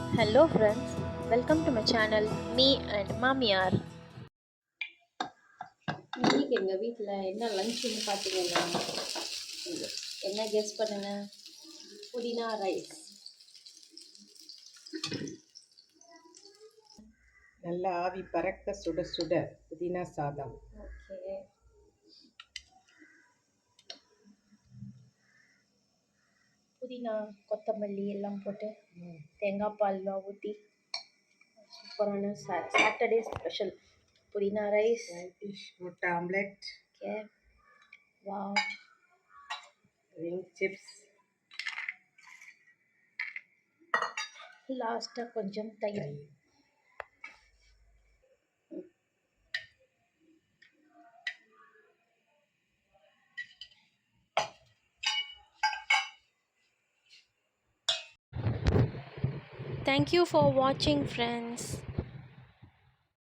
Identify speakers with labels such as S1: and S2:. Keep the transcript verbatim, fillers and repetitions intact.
S1: Hello friends, welcome to my channel Me and Mamiar. இன்னைக்கு எங்கள் வீட்டில் என்ன லஞ்சுன்னு பார்த்தீங்கன்னா என்ன கெஸ் பண்ணுங்க, புதினா ரைஸ்.
S2: நல்லா ஆவி பறக்க சுட சுட புதினா சாதம்.
S1: ஓகே, புதினா கொத்தமல்லி எல்லாம் போட்டு தேங்காய் பால்லாம் ஊற்றி சூப்பரான சா சாட்டர்டே ஸ்பெஷல் புதினா ரைஸ்.
S2: டிஷ் முட்டை omelette,
S1: okay, wow,
S2: ring chips,
S1: லாஸ்ட்டாக கொஞ்சம் தயிர். Thank you for watching friends.